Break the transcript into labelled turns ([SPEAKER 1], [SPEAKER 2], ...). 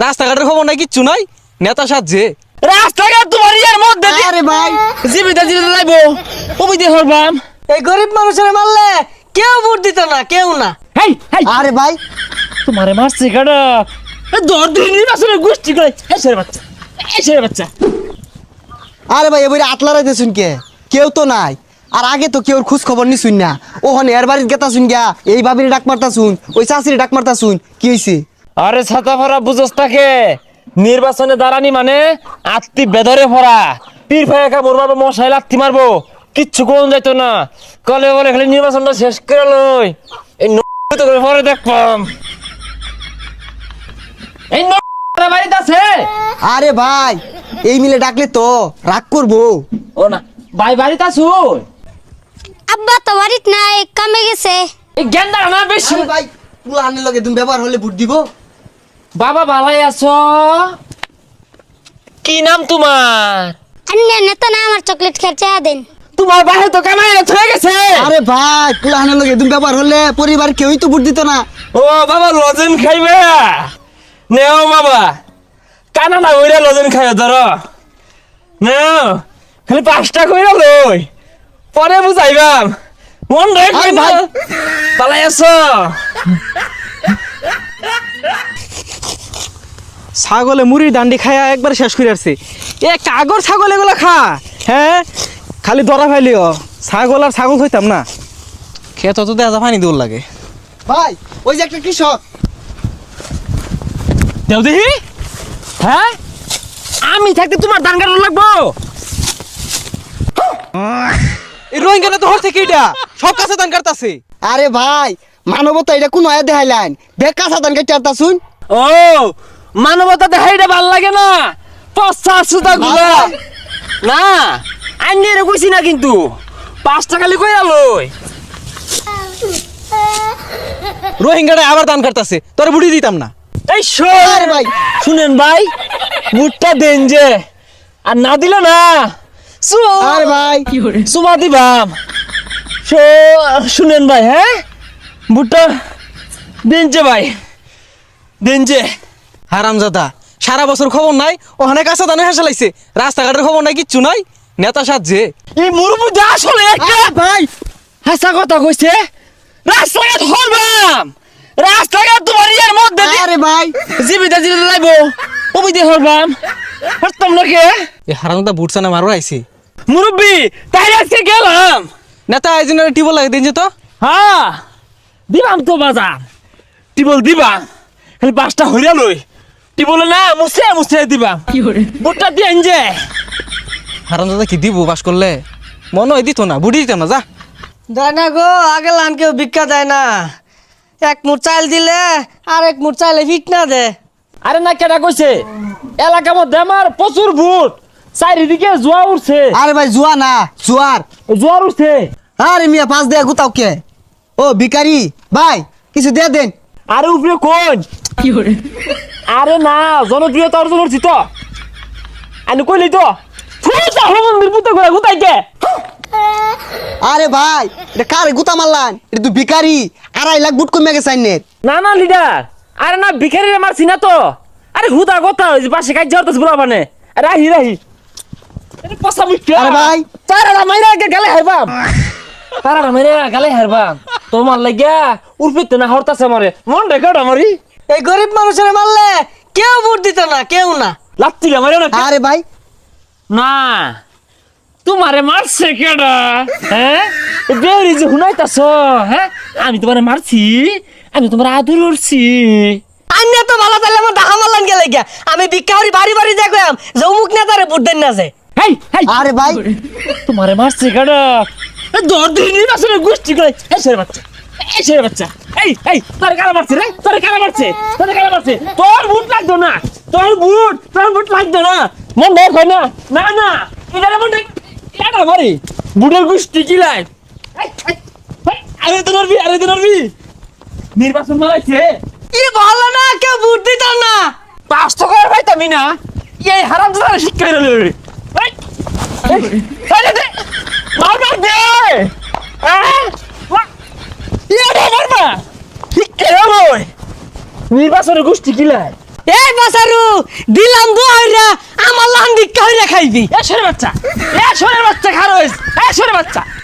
[SPEAKER 1] রাস্তাঘাটের খবর নাই, কিচ্ছু নাই, নেতা সাজছে।
[SPEAKER 2] রাস্তাঘাট তোমার ইয়ার মধ্যে
[SPEAKER 3] আরে ভাই
[SPEAKER 2] জীবিত জীবিত লাইবো ওই দিয়ে হরবাম।
[SPEAKER 4] এই গরিব মানুষের মারলে কেউ ভোট দিত না, কেউ না।
[SPEAKER 2] হেই হেই
[SPEAKER 3] আরে ভাই
[SPEAKER 2] তোমারে মারছে কাটা দর দিন নির্বাচনের গোষ্ঠী করে এসে বাচ্চা এসে বাচ্চা।
[SPEAKER 3] আরে ভাই এবারে আতলা রাইতে শুন কে কেউ তো নাই। আর আগে তো কেউ খোঁজ খবর নি শুন না, ওখানে এর বাড়ির গেতা শুন গিয়া এই ভাবির ডাক মারতা শুন, ওই চাষির ডাক মারতা শুন, কি হইছে?
[SPEAKER 2] আরে ছাতা ভরা বুঝস তাকে নির্বাচনে দাঁড়ানি মানে আত্মি বেদরে ভরা পীর ভাই একা মরবাবো মশাই লাত্তি মারবো কিচ্ছু কোন যাইতো না। কলে বলে খালি নির্বাচনটা শেষ করে লই এই তো করে পরে দেখবাম। এই বাড়িতে আছে?
[SPEAKER 3] আরে ভাই এই মিলে ডাকলে তো রাগ করবো।
[SPEAKER 2] ও না ভাই বাড়িতে আছো?
[SPEAKER 5] আব্বা তো বাড়িত নাই, কামে গেছে।
[SPEAKER 2] এই গেন্দা না বেশি।
[SPEAKER 3] আরে ভাই পুলানের লগে তুমি ব্যবহার হলে ভোট দিব?
[SPEAKER 2] বাবা ভালাই আছো? কি নাম তোমার?
[SPEAKER 5] আন্নে নেতা না আমার চকলেট খেতে দেন।
[SPEAKER 2] তোমার বাহে তো কামাই হয়ে গেছে।
[SPEAKER 3] আরে ভাই পুলানের লগে তুমি ব্যবহার হলে পরিবার কেউই তো ভোট দিত না।
[SPEAKER 2] ও বাবা লজেন খাইবে নেও বাবা কানা না ওইরা লজেন খাইবে ধরো নেও খালি 5টা কইরা লই পরে বুঝাইবাম মন রাখবে
[SPEAKER 3] আরে
[SPEAKER 2] ভাই
[SPEAKER 3] ভাই।
[SPEAKER 2] পালাই আছো?
[SPEAKER 1] ছাগলে মুড়ির ডান্ডি খায়া একবার শেষ করে আসছে। এ কাগর ছাগল এগুলো খা, হ্যাঁ খালি দরা ফাইলিও। ছাগল আর ছাগল হইতাম না, খেত তো দেখা পানি দৌড় লাগে।
[SPEAKER 3] ভাই ওই যে একটা কৃষক।
[SPEAKER 2] দেও দেখি হ্যাঁ আমি থাকতে তোমার ধান কাটা লাগবো?
[SPEAKER 1] এই রোহিঙ্গা তো হর থেকে এটা সব কাছে দান কাটতাছে।
[SPEAKER 3] আরে ভাই মানবতা এটা কোন আয়া দেখাইলেন, বেকা সাধান কেটে আরতা শুন।
[SPEAKER 2] ও মানবতা দেখাইটা ভাল লাগে না, পচা সুতা গুলা না আইনি রে কইছি না কিন্তু 5টা খালি কইরা লই।
[SPEAKER 1] রোহিঙ্গাটা আবার দান কাটতাছে, তোর বুড়ি দিতাম না।
[SPEAKER 2] এই
[SPEAKER 3] আরে ভাই।
[SPEAKER 2] শুনেন ভাই বুটটা দেন যে আর না দিলে না
[SPEAKER 3] আরে ভাই
[SPEAKER 2] সুমা দিবাম। শুনেন ভাই হ্যাঁ বুটটা দেন যে ভাই দেন যে।
[SPEAKER 1] হারামজাদা সারা বছর খবর নাই, ওখানে কাঁচা দানে হেসে লাইছে। রাস্তাঘাটের খবর নাই, কিচ্ছু নাই, নেতা সাজছে।
[SPEAKER 2] এই মুরুবুদা আসলে একটা
[SPEAKER 3] ভাই
[SPEAKER 2] হাসা কথা কইছে। রাস্তাঘাট হরবাম রাস্তাঘাট তোমার ইয়ার মধ্যে
[SPEAKER 3] আরে ভাই
[SPEAKER 2] জীবিত জীবিত লাইবো ওই দিয়ে হরবাম হরতাম না কে
[SPEAKER 1] এই হারামজাদা বুটছা না মারো আইছে।
[SPEAKER 2] মুরব্বি তাই আজকে গেলাম।
[SPEAKER 1] নেতা আয়োজনের টিবল লাগে দিন যে তো।
[SPEAKER 2] হ্যাঁ দিবাম তো বাজার টিবল দিবাম খালি 5টা হইরা লই টিবলে না মুছে মুছে দিবাম বুটটা দিয়ে যে।
[SPEAKER 1] হারামজাদা কি দিব বাস করলে? মনে হয় দিত না, বুড়ি দিতাম না। যা
[SPEAKER 4] দেয় না গো, আগে লান কেউ ভিক্ষা দেয় না। এক মুঠ চাল দিলে আর এক মুঠ চাইলে ফিট না দে।
[SPEAKER 2] আরে না কেটা কইছে এলাকার মধ্যে আমার প্রচুর ভূত চারিদিকে জোয়া উঠছে।
[SPEAKER 3] আরে ভাই জুয়া না জুয়ার।
[SPEAKER 2] জোয়ার উঠছে।
[SPEAKER 3] আরে মিয়া 5 দেয়া গুতাও কে? ও ভিখারি ভাই কিছু দিয়ে দেন।
[SPEAKER 2] আরে উপরে কোন আরে না জনপ্রিয়তা অর্জন করছি তো আমি কইলি তো ফুটা মন্দির পুতো করে গুতাই কে।
[SPEAKER 3] আরে ভাই এটা কারে গুতা মারলান? এটা তো ভিখারি, 2.5 লাখ বুট কমে গেছে আইনের।
[SPEAKER 2] না না লিডার আরে না ভিখারি মারছি না তো। আরে হুদা কথা ওই যে পাশে কাজ জড়তাছ বলা মানে রাহি রাহি আরে পসা মুখ্য।
[SPEAKER 3] আরে ভাই
[SPEAKER 2] তারা মাইরা গালে হারবাম তারা মাইরা গালে হারবাম তোমার লাগিয়া উর্ফিতে না হরতাছে আমারে মন রেকর্ড আমারি।
[SPEAKER 4] এই গরিব মানুষের মারলে কেউ ভোট দিত না, কেউ না।
[SPEAKER 2] লাত্তি মারে না
[SPEAKER 3] আরে ভাই
[SPEAKER 2] না তোমারে মারছে কেডা হ্যাঁ বেরি যে হুনাইতাছ হ্যাঁ আমি তোমারে মারছি আমি তোমার আদর করছি।
[SPEAKER 4] আন্য তো ভালো তাহলে আমার ডাহা মারলান গেলে গিয়া আমি ভিক্ষা করি বাড়ি বাড়ি দেখলাম যে অমুক নেতারে ভোট দেন না যে।
[SPEAKER 2] হেই হেই
[SPEAKER 3] আরে ভাই
[SPEAKER 2] তোমারে মারছে কেডা দর দিন নির্বাচনের গোষ্ঠী করে এসে বাচ্চা এসে বাচ্চা। এই এই তোর কারা মারছে রে তোর কারা মারছে তোর কারা মারছে তোর বুট লাগতো না তোর বুট লাগতো না মন দেখ হয় না না না এটারে মন দেখ এটা মারি বুটের গোষ্ঠী কি লাই। আরে তো নরবি নির্বাচন মারাইছে
[SPEAKER 4] কি ভালো না, কেউ ভোট দিত না।
[SPEAKER 2] 5 টাকা পাইতামি না এই হারামজাদা শিক্ষা হইল রে। মারবা দে মারবা শিক্ষা হইল নির্বাচনের গোষ্ঠী কি লাই।
[SPEAKER 4] এই বাসারু দিলাম বইরা আমার লান ভিক্ষা হইরা খাইবি
[SPEAKER 2] এ সরে বাচ্চা খারো এ সরে বাচ্চা